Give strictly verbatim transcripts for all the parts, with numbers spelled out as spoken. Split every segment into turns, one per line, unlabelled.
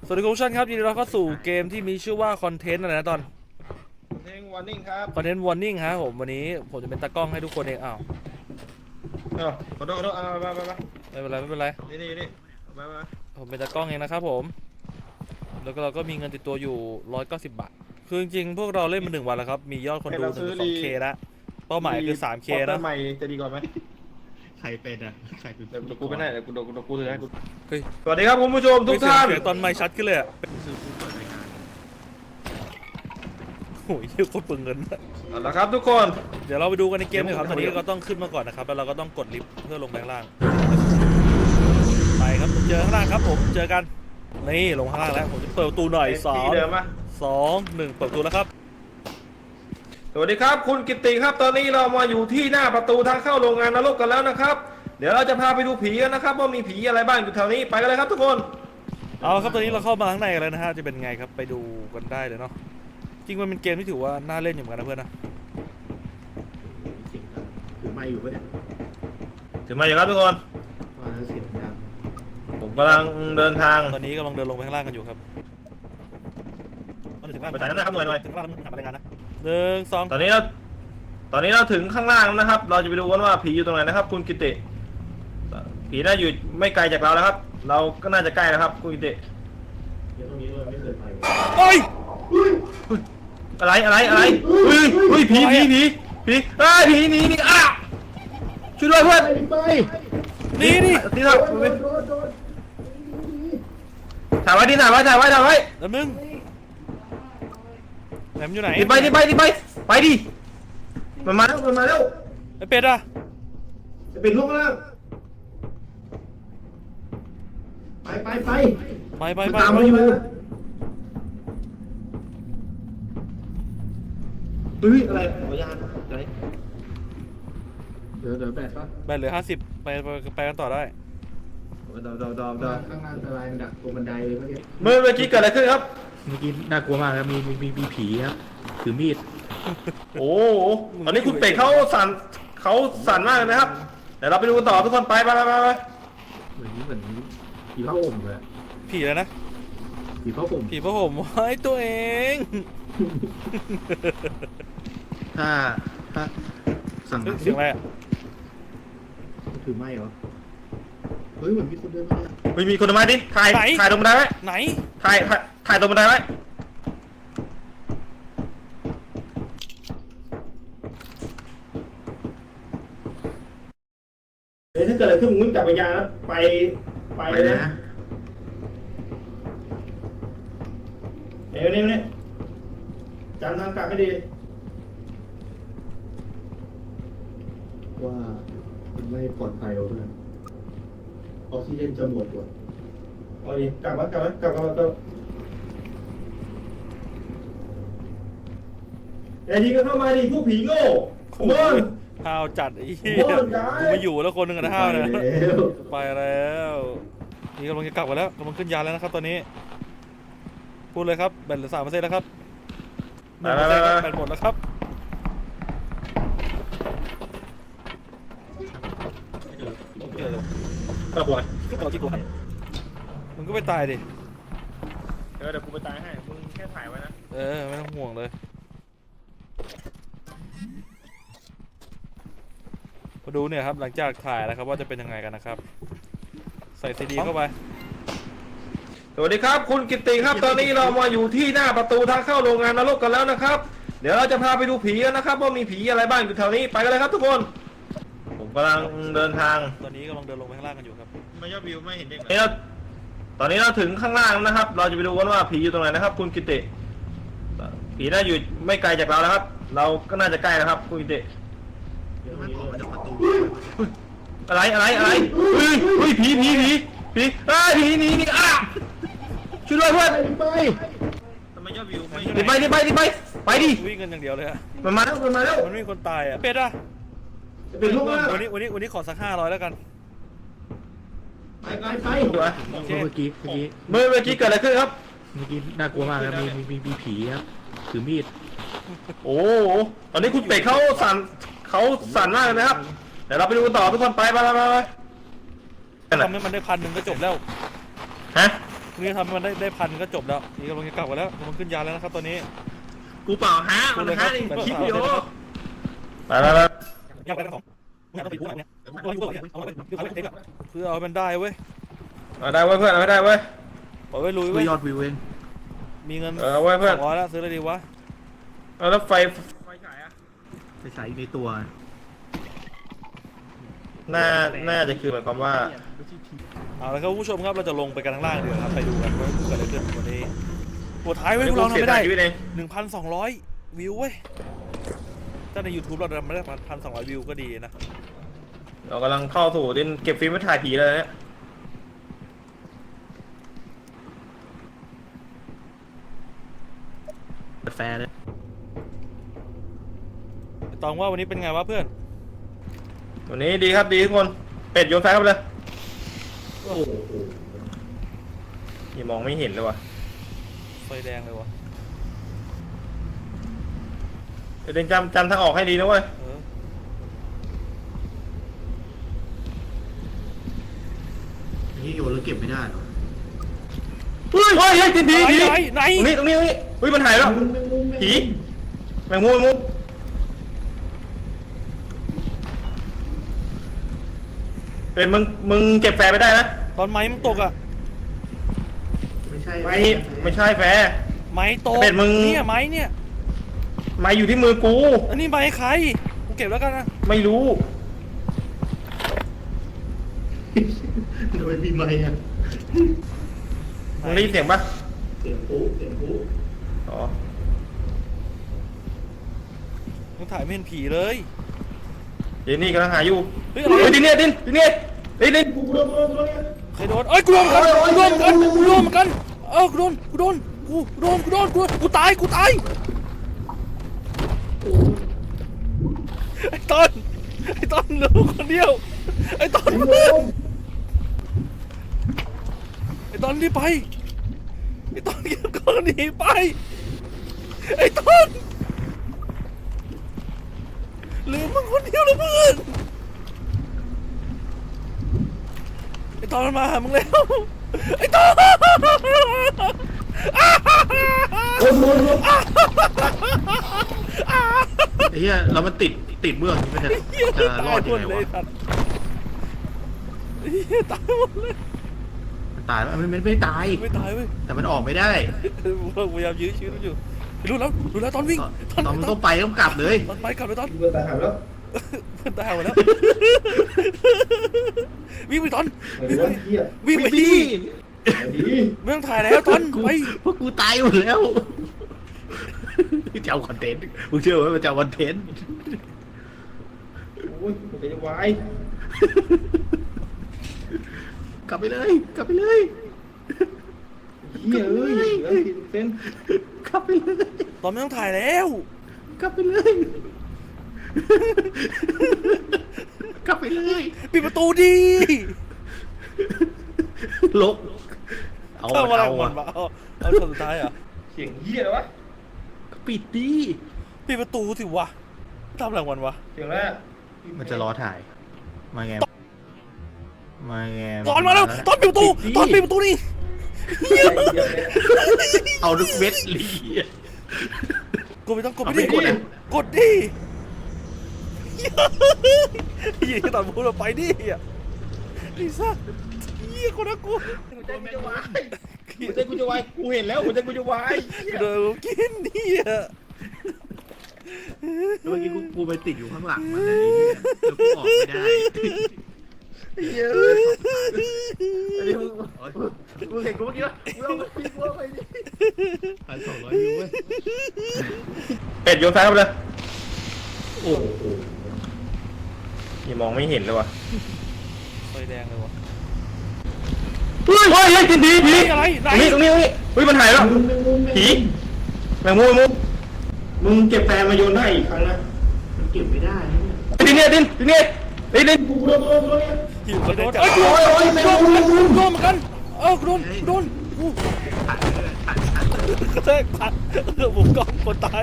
สวัสดีทุกท่านครับยินดีต้อนรับเข้าสู่เกมที่มีชื่อว่าคอนเทนต์อะไรนะตอน
เพลงวอร์นิ่งครับ
คอนเทนต์วอร์นิ่งฮะผมวันนี้ผมจะเป็นตากล้องให้ทุกคนเองอ้าว
เออขอโทษขอโทษเอาไปไปไป
ไม่เป็นไรไม่เป็นไร
นี่นี่นี่ไปไป
ผมเป็นตากล้องเองนะครับผมแล้วก็เราก็มีเงินติดตัวอยู่ร้อยเก้าสิบบาทคือจริงๆพวกเราเล่นมาหนึ่งวันแล้วครับมียอดคนดูถึงสองเคแล้วเป้าหมายคือสามเคนะ
ใหม่จะดีกว่าไหม
ใครเป็นอ่ะใครเป็น
เดี๋ยวกูไปไหนเดี๋ยวกูเดี๋ยวกูเดี๋ยวกูถือให้กู
เฮ้ย
สวัสดีครับคุณผู้ชมทุกท่าน
เสียงตอนไม่ชัดขึ้นเลยอ่ะ
คือผู้เปิดรายการ
โอ้ยเยอะโคตรเปลืองเงิน
เอาละครับทุกคน
เดี๋ยวเราไปดูกันในเกมเลยครับตอนนี้เราต้องขึ้นมาก่อนนะครับแล้วเราก็ต้องกดลิฟต์เพื่อลงไปข้างล่างไปครับเจอข้างล่างครับผมเจอกันนี่ลงข้างล่างแล้วผมจะเปิดประตูหน่อยสอง
เดิมมา
สองหนึ่งเปิดประตูแล้วครับ
สวัสดีครับคุณกิติครับตอนนี้เรามาอยู่ที่หน้าประตูทางเข้าโรงงานนรกกันแล้วนะครับเดี๋ยวเราจะพาไปดูผีกันนะครับว่ามีผีอะไรบ้างอยู่แถวนี้ไปกันเลยครับทุกคน
เอาครับตอนนี้เราเข้ามาข้างในกันแล้วนะฮะจะเป็นไงครับไปดูกันได้เลยเนาะจริงมันเป็นเกมที่ถือว่าน่าเล่นอยู่เหมือนกันนะเพื่อนนะ
เสียงดังถือไม้อยู่ปะเนี่ย
ถึงมาอยู่ครับทุกคน
ว่าเสียงดัง
ผมกำลังเดินทาง
ตอนนี้กำลังเดินลงไปข้างล่างกันอยู่ครับถึงล่าง
ไปถ่ายนะครับหน่อยหน่อย
ถึงล่างหาพนักงานนะหนึ่งสอง
ตอนนี้เราตอนนี้เราถึงข้างล่างนะครับ เราจะไปดูกันว่าผีอยู่ตรงไหนนะครับคุณกิติผีน่าอยู่ไม่ไกลจากเราแล้วครับ เราก็น่าจะใกล้แล้วครับคุณกิติ
เดี๋ยวตรงนี้เราไม่เคยไป
โอ้ย
อะไรอะไรอะไรเฮ้ยเฮ้ยผีผีผีผีเฮ้ยผีหนีหนีอ่ะช่วยด้วยเพื่อน
ไป
นี่นี่
นี่ครับถ่ายไว้ดิถ่ายไว้ถ่ายไว้ถ่ายไว้
แล้วมึงแหลมอยู่ไหน
ดิไปดิไปดิไปไปดิมันมาแล้วมันมาแล้ว
ไอเป็ดอะ
จะเป็นลูกแล้ว
ไปไปไป
ไปไปไป
ตามมาอยู่เฮ้ยอะไรขออนุญาตอะไร
เดี๋ยวเดี๋ยวแบตปะ
แบตเหลือห้าสิบไปไปไปกันต่อได้
ดาวดาวดาวดาว
ข้างล่างอะไรมันดักตรงบันไดเลยเมื่อกี้
เมื่อเมื่อกี้เกิดอะไรขึ้นครับ
เมื่อกี้น่ากลัวมากครับมีมีมีมีผีครับถือมีด
โอ้โหตอนนี้คุณเป็ดเขาสั่นเขาสั่นมากเลยนะครับเดี๋ยวเราไปดูกันต่อทุกคนไปไปไปไป
เหมือนเหมือนผีผ้าห่มเลย
ผีแล้วนะ
ผีผ้าห่ม
ผีพระผมไว้ตัวเอง
ถ้าถ้าสั่ง
เฮ้ยเสียงอะไรอะ
ถือไม้เหรอเฮ้ยเหมือนมีคนเดินมา
เฮ้ยมีคนมาดิถ่ายถ่ายตรงบันไดไว้
ไหน
ถ่ายถ่ายถ่ายตรงบันไดไว้เฮ้ยถ้าเกิดอะไรขึ้นมึงวิ่งจับวิญญาณแล้วไปไป
ไป
เลย
นะ
เดี๋ยวนี้นี่จำทางกลับให้ดี
ว่ามันไม่ปลอดภัยหรอกเพื่อนออกซิเจนจะหมดว่ะ
เอาดิกลับมากลับมากลับมากลับไอ้ทีก็เข้ามาดิพวกผีโง่ขโมย
ห้าวจัดไอ้เหี้ย
โอ้ยย้าย
กูไม่อยู่แล้วคนหนึ่งอะนะห้าวเนี่ย
ไปแล้ว
ไปแล้วนี่กำลังจะกลับมาแล้วกำลังขึ้นยานแล้วนะครับตอนนี้พูดเลยครับแบตเหลือสามเปอร์เซ็นต์แล้วครับหนึ่งเปอร์เซ็นต์แบตหมดแล้วครับ
กระบวน
ก็ต่อที่กูมึงก็ไปตายดิ
เดี๋ยวเดี๋ยวกูไปตายให้มึงแค่ถ่ายไว้นะ
เออไม่ต้องห่วงเลยมาดูเนี่ยครับหลังจากถ่ายแล้วครับว่าจะเป็นยังไงกันนะครับใส่ซีดีเข้าไป
สวัสดีครับคุณกิติครับตอนนี้เรามาอยู่ที่หน้าประตูทางเข้าโรงงานนรกกันแล้วนะครับ เดี๋ยวเราจะพาไปดูผีกันนะครับว่ามีผีอะไรบ้างอยู่แถวนี้ไปกันเลยครับทุกคน ผมกำลังเดินทาง
ตอนนี้กำลังเดินลงไปข้างล่างกันอยู่ครับ
ไม่ยอดวิวไม่เห็นเด็กเลยตอนนี้เราถึงข้างล่างนะครับ เราจะไปดูกันว่าผีอยู่ตรงไหนนะครับ คุณกิติผีน่าอยู่ไม่ไกลจากเราแล้วครับ เราก็น่าจะใกล้แล้วครับคุณกิติ
เดี๋ยวมันออกมาจากประตู
อะไรอะไรอะไรเฮ้ยเฮ้ยผีผีผีผีเฮ้ยผีหนีหนีอ่ะช่วยด้วยเพื่อน
ไป
ทำไมยอดวิวไม่ดิไปดิไปดิไปไปดิ
วิ่งกันอย่างเดียวเลยอะ
มันมาแล้วมันมาแล้ว
มันไม่มีคนตายอะเป็ดอะ
จะเป็นลูกแล้ว
วันนี้วันนี้วันนี้ขอสักห้าร้อยแล้วกัน
ไปไปไป
โอเค
เมื่อกี้เมื่อกี้
เมื่อเมื่อกี้เกิดอะไรขึ้นครับ
เมื่อกี้น่ากลัวมากครับมีมีมีมีผีครับถือมีด
โอ้โหตอนนี้คุณเป็ดเขาสั่นเขาสั่นมากเลยนะครับเดี๋ยวเราไปดูกันต่อทุกคนไปไปไปไป
ทำให้มันได้พันหนึ่งก็จบแล้ว
ฮะ
นี่ทำให้มันได้ได้พันก็จบแล้วนี่กำลังจะกลับกันแล้วกำลังขึ้นยานแล้วนะครับตอนนี้
กูเปล่าฮะมันฮะนี่คลิปวิดีโอ
ไปไปไป
ยากไปสองเพื่อเอามันได้เว้ย
เอาได้เว้ยเพื่อนเอาได้เว้ย
ปล่อยไว้ลุย
กู
เว้ย
ยอดวิวเอง
มีเงิน
เออเว้ยเพื่อน
สองร้อยแล้วซื้ออะไรดีวะ
เอาแล้วไฟ
ไปใส่ในตัว
น่าน่าจะคือหมายความว่า
เอาละครับคุณผู้ชมครับเราจะลงไปกันข้างล่างเดี๋ยวครับไปดูกันว่าเกิดอะไรขึ้นวันนี้ตัวท้ายเว้ยพวกเราทำไม่ได้
ชีวิตเอง
หนึ่งพันสองร้อยวิวเว้ยถ้าใน YouTube เราทำไม่ได้พันสองร้อยวิวก็ดีนะ
เรากำลังเข้าสู่ดินเก็บฟิล์มไว้ถ่ายผีเลยเนี่ย
แฟร์เลย
ตองว่าวันนี้เป็นไงวะเพื่อน
วันนี้ดีครับดีทุกคนเป็ดโยนไฟเข้าไปเลย
โอ้โห
ยังมองไม่เห็นเลยว่ะ
ไฟแดงเลยวะ
เดี๋ยวเดินจำจำทางออกให้ดีนะเว้ย
เออ
นี่โยนแล้วเก็บไม่ได้หรอ
เฮ้ยเฮ้ยเฮ้ยผีผีผี
ไหนไหน
ตรงนี้ตรงนี้ตรงนี้เฮ้ยมันหายแล้วผีแมงมุมแมงมุมเป็นมึงมึงเก็บแฟร์ไปได้นะ
ตอนไม้มันตกอ่ะ
ไม่ใช่
ไม่ไม่ใช่แฟร์
ไม้ตก
เป็ดมึง
เนี่ยไม้เนี่ย
มาอยู่ที่มือกู
อันนี้ไม้ใครกูเก็บแล้วกันนะ
ไม่รู้
ทำไมมีไม้อะ
มึงได้ยินเสียงปะ
เสียงปุ๊เสียงปุ๊
อ๋อ
มึงถ่ายไม่เห็นผีเลย
เดี๋ยวนี่กำลังหาอยู่
เฮ้ยอะไร
เฮ้ยดินเนี่ยดินดินเนี่ยดินดิน
กูเริ่มเริ่มเริ่มเนี่ย
ใครโดนเอ้ยกูโดนเหมือนกันกูโดนเหมือนกันกูโดนเหมือนกันเออกูโดนกูโดนกูโดนกูโดนกูโดนกูตายกูตายไอ้ต้นไอ้ต้นเหลือคนเดียวไอ้ต้นไอ้ต้นรีบไปไอ้ต้นเก็บก้อนหนีไปไอ้ต้นเหลือมึงคนเดียวแล้วเพื่อนไอ้ต้นมันมาหามึงแล้วไอ้ต้น
คนคนคน
ไอ้เหี้ยเรามันติดติดเบื้องนี่ไม่ใช่จะรอดยังไงวะ
สัตว์เหี้ยตายหมดเลย
มันตายมันไม่ไม่ตาย
ไม่ตายเว้ย
แต่มันออกไม่ได้
เราพยายามยื้อชีวิตมันอยู่รู้แล้วรู้แล้วตอนวิ่ง
ตอนตอนมันต้องไปต้องกลับเลย
ตอนไปกลับเลยตอน
กูเปิดตาหายแล้ว
เพื่อนตายหมดแล้ววิ่งไปตอน
ไอ้วันเหี้ย
วิ่งไปดิ
ไอ้ดี
ไม่ต้องถ่ายแล้วตอน
กู
ไป
พวกกูตายหมดแล้วจะเอาคอนเทนต์มึงเชื่อไหมมันจะเอาคอนเทนต์
โอ้ยกูจะวาย
กลับไปเลยกลับไปเลย
เหี้ยเอ้ยเหลือสี่สิบเซน
กลับไปเลย
ตอนไม่ต้องถ่ายแล้ว
กลับไปเลยกลับไปเลย
ปิดประตูดิ
ลบเอา
เข้ามาแล้ว
เอา
มัน
อะ
มาเอาเอาช็อตสุดท้ายอ่ะ
เสียงเหี้ยเลยวะ
ปิดดิ
ปิดประตูสิวะทำอะไรของมันวะ
เสียงแรก
มันจะรอถ่ายมาไงมาไง
ตอนมาแล้วตอนปิดประตูตอนปิดประตูนี่
เอาทุกเม็ดลี
กดไปต้องกดไป
เอาไม่
ดิ
กดอะ
กดดิยี่ตอนพูดเราไปดิอ่ะลิซ่ายี่คนน่ากลัว
หัวใจกูจะวายหัวใจกูจะวายกูเห็นแล้วหัวใจกูจะวาย
เดี๋ยวกินนี่อ่ะ
เมื่อกี้กูกูไปติดอยู่ข้างหลังมันเลยแล้วกูออกไม่ได้
เหี้ย
อันนี้มึง
มึงเห็นกูเมื่อกี้ปะมึงเอาไปพี่กูเอาไปดิ
พันสองร้อยยูเว้ย
เป็ดโยนไฟเข้าไปเลย
โอ้โห
ยังมองไม่เห็นเลยว่ะ
ไฟแดงเลยวะ
เฮ้ยเฮ้ยเฮ้ยผีผีผี
อะไรไหน
ตรงนี้ตรงนี้ตรงนี้เฮ้ยมันหายแล้ว
มึงมึงมึง
ผีแมงมุมแมงมุมมึงเก็บแฟร์มาโยนได้อีกครั้งนะ
มันเก็บไม่ได้นะเนี่ย
ดินเนี่ยดินดินเนี่ยดินดิน
กูโดนโดนโดนเนี่ย
หิวกระโดดเอ้ยกูโดนโดนโดนเหมือนกันโดนเหมือนกันเออกูโดนกูโดนกู
ถ่ายเลยถ่ายถ่าย
กระแทกผักเออผมก็คนตาย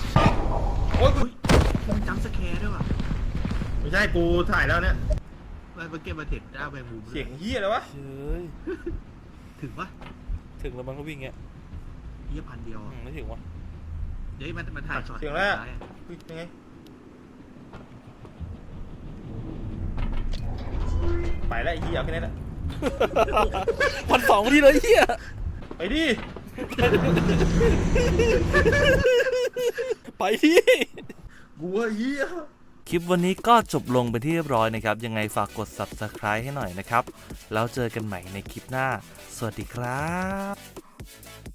โอ้ย
มันจำสแคร์ด้วยว่ะ
ไม่ใช่กูถ่ายแล้วเนี่ย
มันมันเมื่อกี้มาเห็นเจ้าแมงมุม
เสียงเฮียอะไรวะ
เฮ้ย
ถึงปะ
ถึงแล้วมันก็วิ่งเงี้ย
เยี่ยพันเดียว
อืมไม่ถึงวะ
เดี๋ยวมันมันถ่ายช็อต
เสียงแล้ว
ท้ายอะ
อุ๊ยยังไงไปแล้วไอ้เฮียเอาแค่นี้แหละ
พันสองพอดีเลยเฮีย
ไปดิ
ไปที่
กูว่าเฮีย
คลิปวันนี้ก็จบลงเป็นที่เรียบร้อยนะครับ ยังไงฝากกด ซับสไครบ์ ให้หน่อยนะครับ แล้วเจอกันใหม่ในคลิปหน้า สวัสดีครับ